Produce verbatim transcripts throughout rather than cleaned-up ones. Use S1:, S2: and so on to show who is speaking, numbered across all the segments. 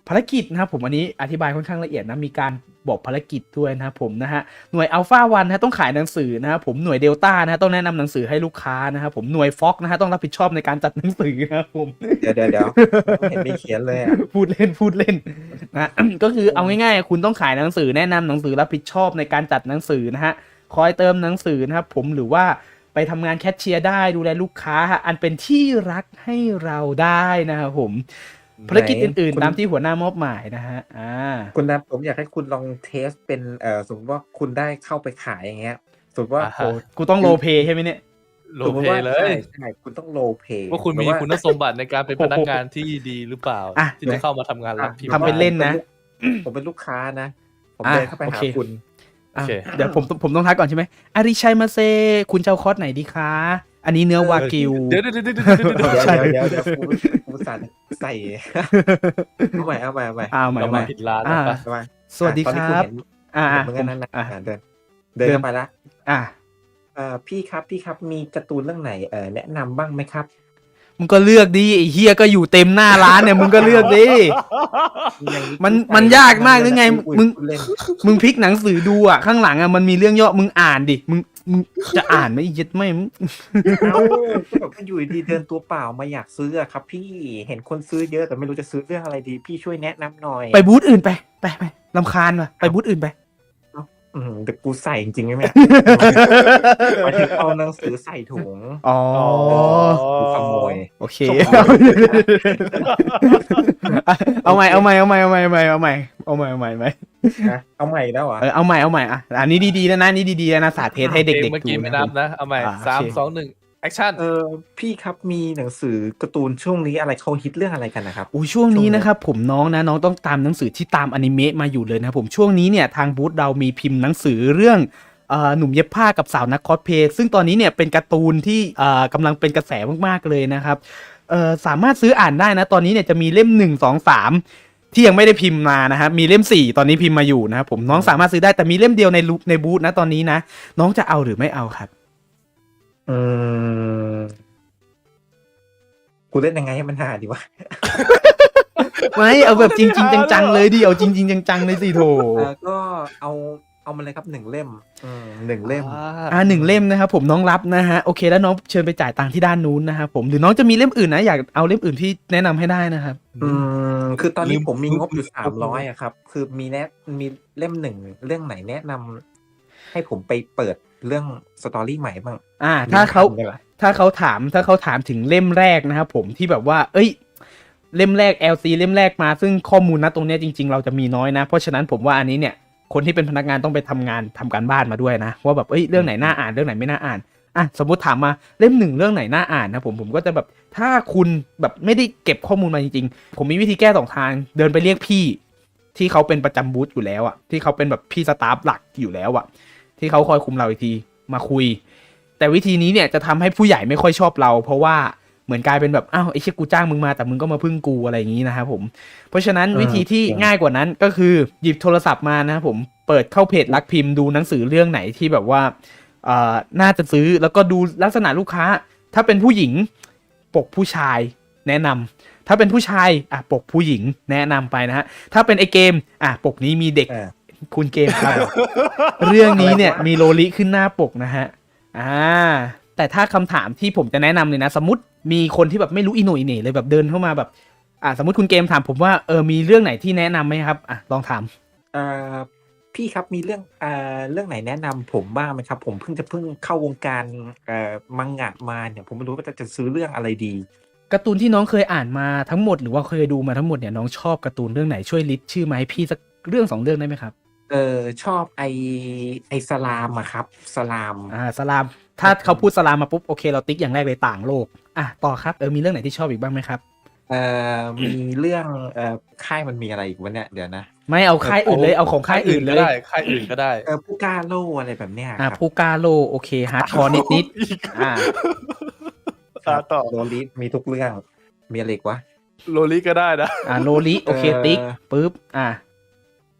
S1: ภารกิจนะครับผมอันนี้อธิบายค่อนข้างละเอียดนะมีการบอกภารกิจด้วยนะครับผมนะฮะหน่วยอัลฟาวันนะต้องขายหนังสือนะครับผมหน่วยเดลต้านะต้องแนะนำหนังสือให้ลูกค้านะครับผมหน่วยฟ็อกนะฮะต้องรับผิดชอบในการจัดหนังสือนะครับผม
S2: เดี๋ยวเดี๋ยวเดี๋ยวเห็นมีเขียนเลยอ่ะ
S1: พูดเล่นพูดเล่นนะ ก็คือเอาง่ายๆคุณต้องขายหนังสือแนะนำหนังสือรับผิดชอบในการจัดหนังสือนะฮะคอยเติมหนังสือนะครับผมหรือว่าไปทำงานแคชเชียร์ได้ดูแลลูกค้าอันเป็นที่รักให้เราได้นะครับผมภารกิจอื่นๆตามที่หัวหน้ามอบหมายนะฮะอ่า
S2: คุณนะผมอยากให้คุณลองเทสเป็นเอ่อสมมติว่าคุณได้เข้าไปขายอย่างเงี้ยสมมติว่า
S3: อ่า
S1: โอ้
S3: ฮะ
S1: กูต้องโลเปใช่ไหมเนี่ย
S3: โล
S2: สมม
S3: เพ
S2: ติว่า
S3: เล
S2: ใช่
S3: ย
S2: ใช่คุณต้องโลเพ
S3: ว่าคุณมีคุณสมบัติในการเป็นพนักงานที่ดีหรือเปล่า
S1: อ่ะ
S3: ที่จะเข้ามาทำงานรับพิมพ์
S1: ทำเป็นเล่นนะ
S2: ผมเป็นลูกค้านะ ผม
S1: อ่ะ
S2: เดินเข้าไป
S1: โอ
S2: หา
S1: เค
S2: คุณ
S3: โอเค
S1: เดี๋ยวผมผมต้องทักก่อนใช่ไหมอาริชัยมาเซคุณเจ้าคอร์สไหนดีคะอันนี้เนื้อวากิว
S3: เดี๋ยวเดี๋ยวเดี๋ยวเดี๋ยวเดี๋ยวเดี๋ยว
S2: เดี๋ยว
S1: ใช่
S2: เดี๋ยวเดี๋ยวกูกูสั่นใส่เอาใหม่เอาใหม่เอาใหม่
S1: อ้าวใหม่
S3: เรา
S1: ให
S3: มา
S1: ม่
S3: ผิดร้าน
S1: อ่า
S3: แล้วปะ
S2: เอาใหม่
S1: สวัสดี
S2: ตอน
S1: ค
S2: นี้
S1: รับ
S2: เห็น
S1: อ่า
S2: เห็
S1: อ่าน
S2: เหมือนกันนั้นนะ
S1: อ่า
S2: อ่าเดินเดินเข้าไปละ
S1: อ่า
S2: เอ่อพี่ครับพี่ครับมีการ์ตูนเรื่องไหนเอ่อแนะนำบ้างไหมครับ
S1: มึงก็เลือกดิไอ้เฮียก็อยู่เต็มหน้าร้านเนี่ยมึงก็เลือกดิ มันมันยากมากหรือไงมึง
S2: เล่น
S1: มึงพลิกหนังสือดูอ่ะข้างหลังอ่ะมันมีเรื่องย่อมึงอ่านดิมึงมึงจะอ่านไหมไอ้เหี้ย็ดไม่มึง
S2: เอ้าก็แบบว่าอยู่ดีๆเดินตัวเปล่ามาอยากซื้ออะครับ พี่เห็นคนซื้อเยอะแต่ไม่รู้จะซื้อเรื่องอะไรดี พี่ช่วยแนะนำหน่อย
S1: ไปบูธอื่นไปไปไปลำคาญว่ะไปบูธอื่นไป
S2: อืมแต่กูใส่จริงๆไหมเนี่ยหมายถึงเอาหนังสือใส่ถุง
S1: อ๋อ
S2: กูขโมย
S1: โอเค เอาใหม่เอาใหม่เอาใหม่เอาใหม่เอาใหม่เอาใหม่เอาใหม่เอาใหม่เอาใหม่
S2: นะเอาใหม่แล้วเหรอ
S1: เออเอาใหม่เอาใหม่อ่ะอันนี้ดีๆแล้วนะนี่ดีๆแล้วนะสาธิตให้เด็ก
S3: เมื่อ
S1: ๆดู
S3: กี้ไม่
S1: นะ
S3: นับนะ เอาใหม่
S1: อ่า
S3: สาม
S1: โอเค
S3: สองหนึ่งแอคชั่น
S2: เออพี่ครับมีหนังสือการ์ตูนช่วงนี้อะไรเขาฮิตเรื่องอะไรกันนะครับ
S1: อุ้ยช่วงนี้นะครับผมน้องนะน้องต้องตามหนังสือที่ตามอนิเมะมาอยู่เลยนะครับผมช่วงนี้เนี่ยทางบูธเรามีพิมพ์หนังสือเรื่องเอ่อหนุ่มเย็บผ้ากับสาวนักคอสเพลย์ซึ่งตอนนี้เนี่ยเป็นการ์ตูนที่เอ่อกำลังเป็นกระแสมากๆเลยนะครับเอ่อสามารถซื้ออ่านได้นะตอนนี้เนี่ยจะมีเล่มหนึ่งสองสามที่ยังไม่ได้พิมพ์มานะครับมีเล่มสี่ตอนนี้พิมพ์มาอยู่นะครับผมน้องสามารถซื้อได้แต่มีเล่มเดียวในรูในบูธนะตอนนี้นะน้องจะเอาหรือไม่เอาครับ
S2: อืมกูเล่นยังไงให้มันหาดีวะ
S1: ไม่เอาแบบจริงๆจังๆเลยดิเอาจริงๆจังๆเลยสิโถ
S2: เออก็เอาเอามาเลยครับหนึ่งเล่มอืมหนึ่งเล่ม
S1: อ่าหนึ่งเล่มนะครับผมน้องรับนะฮะโอเคแล้วน้องเชิญไปจ่ายตังค์ที่ด้านนู้นนะครับผมหรือน้องจะมีเล่มอื่นนะอยากเอาเล่มอื่นที่แนะนำให้ได้นะครับ
S2: อืมคือตอนนี้
S3: ลืม
S2: ผมมีงบอยู่
S3: ลืม
S2: สามร้อยอะครับ คือมีแนะมีเล่มหนึ่งเรื่องไหนแนะนำให้ผมไปเปิดเรื่องสตอรี่ใหม่บ้าง
S1: อ่าถ้าเขา
S2: มีคำด้วยเหรอ
S1: ถ้าเขาถามถ้าเขาถามถึงเล่มแรกนะครับผมที่แบบว่า เอ้ย เล่มแรก แอล ซี เล่มแรกมาซึ่งข้อมูลนะตรงเนี้ยจริง ๆ เราจะมีน้อยนะ เพราะฉะนั้นผมว่าอันนี้เนี่ยคนที่เป็นพนักงานต้องไปทำงานทำการบ้านมาด้วยนะว่าแบบเอ้ยเรื่องไหนน่าอ่านเรื่องไหนไม่น่าอ่านอ่ะสมมติถามมาเล่มหนึ่งเรื่องไหนน่าอ่านนะผมผมก็จะแบบถ้าคุณแบบไม่ได้เก็บข้อมูลมาจริงๆผมมีวิธีแก้สองทางเดินไปเรียกพี่ที่เขาเป็นประจำบูธอยู่แล้วอะที่เขาเป็นแบบพี่สตาฟหลักอยู่แล้วอะที่เขาคอยคุมเราอีกทีมาคุย แต่วิธีนี้เนี่ยจะทำให้ผู้ใหญ่ไม่ค่อยชอบเรา เพราะว่าเหมือนกลายเป็นแบบอ้าวไอ้เชี่ยกูจ้างมึงมาแต่มึงก็มาพึ่งกูอะไรอย่างนี้นะครับผมเพราะฉะนั้นวิธีที่ง่ายกว่านั้นก็คือหยิบโทรศัพท์มานะครับผมเปิดเข้าเพจรักพิมพ์ดูหนังสือเรื่องไหนที่แบบว่าเอ่อน่าจะซื้อแล้วก็ดูลักษณะลูกค้า ถ้าเป็นผู้หญิงปกผู้ชายแนะนำถ้าเป็นผู้ชายอ่ะปกผู้หญิงแนะนำไปนะฮะถ้าเป็นไอเกมอ่ะปกนี้มีเด็ก
S2: เออ
S1: คุณเกมครับ เรื่องนี้เนี่ยมีโลลิขึ้นหน้าปกนะฮะ อ่า แต่ถ้าคำถามที่ผมจะแนะนำเลยนะ สมมติมีคนที่แบบไม่รู้อีโหน่อีเหน่เลยแบบเดินเข้ามาแบบ อ่า สมมติคุณเกมถามผมว่าเออมีเรื่องไหนที่แนะนำไหมครับ อ่ะลองถาม
S2: เอ่อพี่ครับมีเรื่องเอ่อเรื่องไหนแนะนำผมบ้างไหมครับ ผมเพิ่งจะเพิ่งเข้าวงการเอ่อมังงะมาเนี่ยผมไม่รู้ว่าจะจะซื้อเรื่องอะไรดี
S1: การ์ตูนที่น้องเคยอ่านมาทั้งหมดหรือว่าเคยดูมาทั้งหมดเนี่ยน้องชอบการ์ตูนเรื่องไหนช่วยลิสต์ชื่อมาให้พี่สักเรื่องสองเรื่องได้ไหมครับ
S2: เออชอบไอไอสลามอะครับ สลาม
S1: อ่าสลาม ถ้าเขาพูดสลามมาปุ๊บโอเคเราติ๊กอย่างแรกเลยต่างโลก อ่ะต่อครับเออมีเรื่องไหนที่ชอบอีกบ้างไหมครับ
S2: เอ่อมีเรื่องเอ่อค่ายมันมีอะไรอีกวะเนี่ยเดี๋ยวนะ
S1: ไม่เอาค่ายอื่นเลยเอาของค่ายอื่นเลย
S3: ก็ได้ค่ายอื่นก็ได้
S2: เออผู้กล้าโล่อะไรแบบเนี้ย
S1: อ่า
S2: ครับ
S1: ผู้กล้าโลโอเคฮาร์ดคอร์นิดนิดๆอ่า
S2: ครั
S3: อ่า
S2: บ
S3: ต่อ
S2: โรลิมีทุกเรื่องมีอะไรอีกวะ
S3: โลลิก็ได้นะ
S1: อ่าโลลิโอเคติ๊กปุ๊บอ่า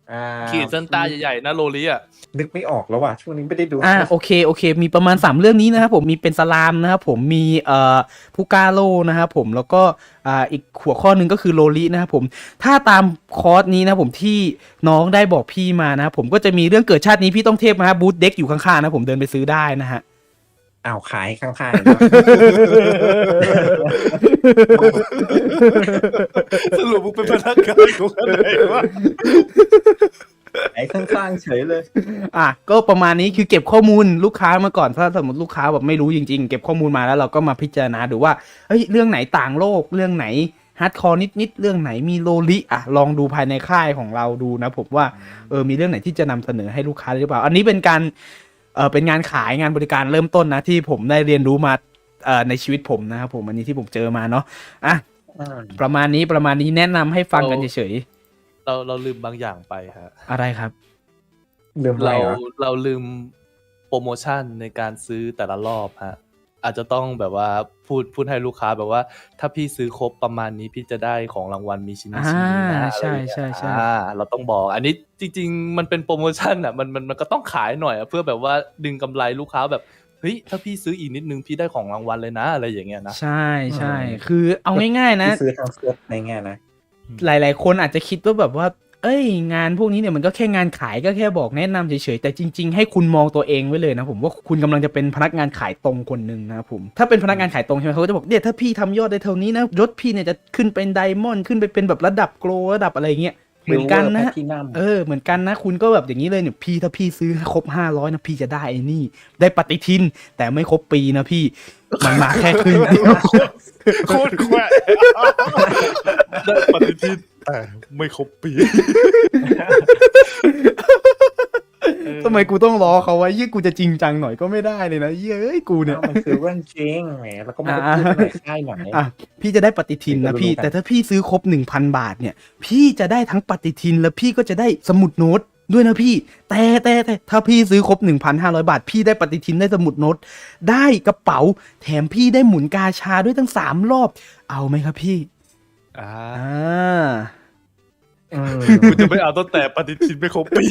S2: อ่า
S3: ขีดเส้นใต้ใหญ่ๆนะโลลิอ่ะ
S2: นึกไม่ออกแล้วว่ะช่วงนี้ไม่ได้ดู
S1: อ่าโอเคโอเค มีประมาณสามเรื่องนี้นะครับผมมีเป็นสลามนะครับผมมีเอ่อพูกาโลนะครับผมแล้วก็อ่าอีกหัวข้อหนึ่งก็คือโลลินะครับผมถ้าตามคอร์สนี้นะผมที่น้องได้บอกพี่มานะครับผมก็จะมีเรื่องเกิดชาตินี้พี่ต้องเทพนะครับบูธเด็กอยู่ข้างๆนะผมเดินไปซื้อได้นะฮะ
S2: อ้าวขายข้างๆ
S3: สรุปมึงเป็นพนักงานของอะไรวะ
S2: ขายข้างๆเฉยเลย
S1: อ่ะก็ประมาณนี้คือเก็บข้อมูลลูกค้ามาก่อนถ้าสมมติลูกค้าแบบไม่รู้จริงๆเก็บข้อมูลมาแล้วเราก็มาพิจารณาดูว่าเฮ้ยเรื่องไหนต่างโลกเรื่องไหนฮาร์ดคอร์นิดๆเรื่องไหนมีโลลิอ่ะลองดูภายในค่ายของเราดูนะผมว่าเออมีเรื่องไหนที่จะนำเสนอให้ลูกค้าหรือเปล่าอันนี้เป็นการเออเป็นงานขายงานบริการเริ่มต้นนะที่ผมได้เรียนรู้มาเอ่อในชีวิตผมนะครับผมอันนี้ที่ผมเจอมาเนาะอ่ะประมาณนี้ประมาณนี้แนะนำให้ฟังกันเฉย
S3: เราเราลืมบางอย่างไปฮะ
S1: ๆอะไรครับ
S2: ลืมอะไร
S3: เรา
S2: เหรอ
S3: เราลืมโปรโมชั่นในการซื้อแต่ละรอบฮะอาจจะต้องแบบว่าพูดพูดให้ลูกค้าแบบว่า ถ้าพี่ซื้อครบประมาณนี้พี่จะได้ของรางวัลมีชิ้นนี้ชิ้นนี้นะ
S1: อ่า
S3: อะไรอย่างเงี้ย
S1: ใช่ใช่ใช่
S3: อ่าเราต้องบอก อันนี้จริง ๆ มันเป็นโปรโมชั่นอ่ะมันมันมันก็ต้องขายหน่อยอะเพื่อแบบว่าดึงกำไรลูกค้าแบบเฮ้ยถ้าพี่ซื้ออีกนิดนึงพี่ได้ของรางวัลเลยนะอะไรอย่างเงี้ยนะ
S1: ใช่ใช่คือเอาง่ายๆนะ
S2: ที่ซื้อทางเซ็ตในแง่นะ
S1: หลายๆ คนอาจจะคิดว่าแบบว่า เอ้ย งานพวกนี้เนี่ยมันก็แค่งานขายก็แค่บอกแนะนำเฉยๆ แต่จริง ๆ ให้คุณมองตัวเองไว้เลยนะผมว่าคุณกำลังจะเป็นพนักงานขายตรงคนหนึ่งนะครับผม ถ้าเป็นพนักงานขายตรงใช่ไหมเขาก็จะบอกเนี่ยถ้าพี่ทำยอดได้เท่านี้นะยศพี่เนี่ยจะขึ้นเป็นไดมอนด์ขึ้นไปเป็นแบบระดับโกลระดับอะไรเงี้ย เหมือนกันนะ
S2: ที่นั่
S1: เออเหมือนกันนะคุณก็แบบอย่างนี้เลยเนี่ยพี่ถ้าพี่ซื้อให้ครบห้าร้อยนะพี่จะได้ไอ้นี่ ได้ปฏิทิน แต่ไม่ครบปีนะพี่มันมาแค่ครึ่งเดียว
S3: โคตรแขวะได้ปฏิทินแต่ไม่ครบปี
S1: ทำไมกูต้องล้อเขาวะยี่กูจะจริงจังหน่อยก็ไม่ได้เลยนะเย้ยกูเนี่ย
S2: มันคือเรื่องจริงแหมแล้วก็ไม่ได้พูดในค่ายหน่อย
S1: อ่ะพี่จะได้ปฏิทินนะพี่
S2: เดี๋ยวจะรู้กัน
S1: แต่ถ้าพี่ซื้อครบหนึ่งพันบาทเนี่ยพี่จะได้ทั้งปฏิทินแล้วพี่ก็จะได้สมุดโน้ตด้วยนะพี่ แต่แต่แต่ถ้าพี่ซื้อครบ หนึ่งพันห้าร้อย บาท พี่ได้ปฏิทินได้สมุดโน้ตได้กระเป๋าแถมพี่ได้หมุนกาชาด้วยทั้งสามรอบเอาไหมครับพี่
S3: อ่า
S1: อ่า
S2: เออ
S3: กูจะไม่เอาตั้งแต่ปฏิทินไม่ครบปี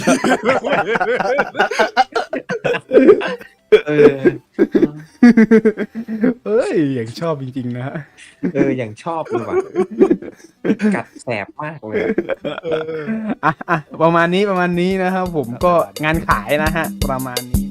S2: เออ
S1: เอ้ยอย่างชอบจริงๆนะฮะ
S2: เอออย่างชอบเลยว่ะกัดแสบมากเลยอะ
S1: อ่ะอ่ะประมาณนี้ประมาณนี้นะครับผมก็งานขายนะฮะประมาณนี้